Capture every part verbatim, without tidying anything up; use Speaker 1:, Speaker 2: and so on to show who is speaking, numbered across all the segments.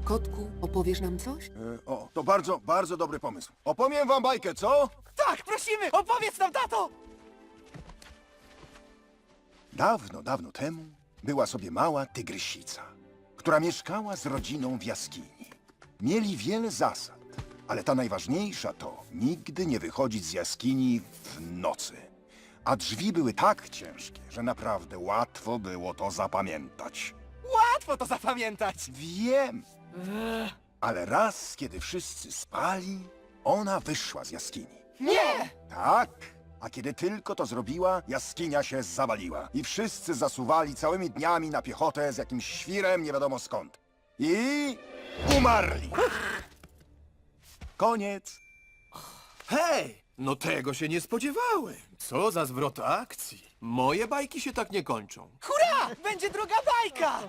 Speaker 1: Kotku, opowiesz nam coś?
Speaker 2: E, o, to bardzo, bardzo dobry pomysł. Opowiem wam bajkę, co?
Speaker 3: Tak, prosimy! Opowiedz nam, tato!
Speaker 2: Dawno, dawno temu była sobie mała tygrysica, która mieszkała z rodziną w jaskini. Mieli wiele zasad, ale ta najważniejsza to nigdy nie wychodzić z jaskini w nocy. A drzwi były tak ciężkie, że naprawdę łatwo było to zapamiętać.
Speaker 3: Łatwo to zapamiętać!
Speaker 2: Wiem, ale raz, kiedy wszyscy spali, ona wyszła z jaskini.
Speaker 3: Nie!
Speaker 2: Tak, a kiedy tylko to zrobiła, jaskinia się zawaliła i wszyscy zasuwali całymi dniami na piechotę z jakimś świrem nie wiadomo skąd. I umarli. Koniec.
Speaker 4: Hej! No tego się nie spodziewałem. Co za zwrot akcji. Moje bajki się tak nie kończą.
Speaker 3: Hurra! Będzie druga bajka!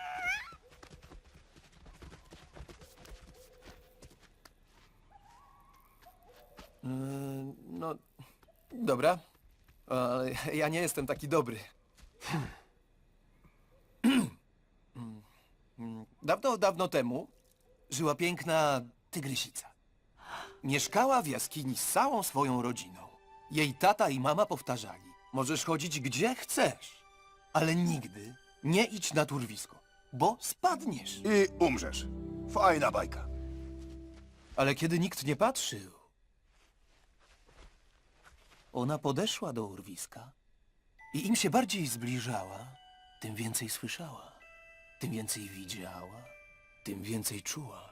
Speaker 4: No, dobra. Ale ja nie jestem taki dobry. Dawno, dawno temu żyła piękna tygrysica. Mieszkała w jaskini z całą swoją rodziną. Jej tata i mama powtarzali: możesz chodzić gdzie chcesz, ale nigdy nie idź na turwisko, bo spadniesz.
Speaker 2: I umrzesz. Fajna bajka.
Speaker 4: Ale kiedy nikt nie patrzył, ona podeszła do urwiska i im się bardziej zbliżała, tym więcej słyszała, tym więcej widziała, tym więcej czuła.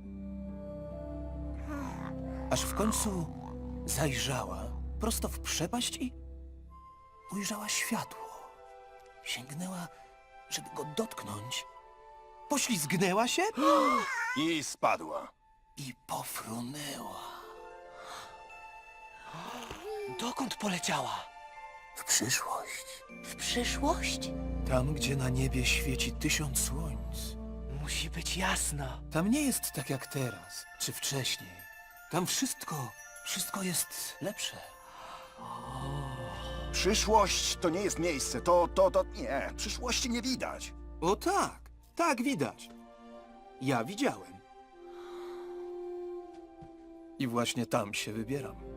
Speaker 4: Aż w końcu zajrzała prosto w przepaść i ujrzała światło. Sięgnęła, żeby go dotknąć, poślizgnęła się
Speaker 2: I spadła.
Speaker 4: i pofrunęła.
Speaker 3: Dokąd poleciała?
Speaker 4: W przyszłość.
Speaker 3: W przyszłość?
Speaker 4: Tam, gdzie na niebie świeci tysiąc słońc.
Speaker 3: Musi być jasno.
Speaker 4: Tam nie jest tak jak teraz, czy wcześniej. Tam wszystko, wszystko jest lepsze.
Speaker 2: Przyszłość to nie jest miejsce, to, to, to, nie. Przyszłości nie widać.
Speaker 4: O tak, tak widać. Ja widziałem. I właśnie tam się wybieram.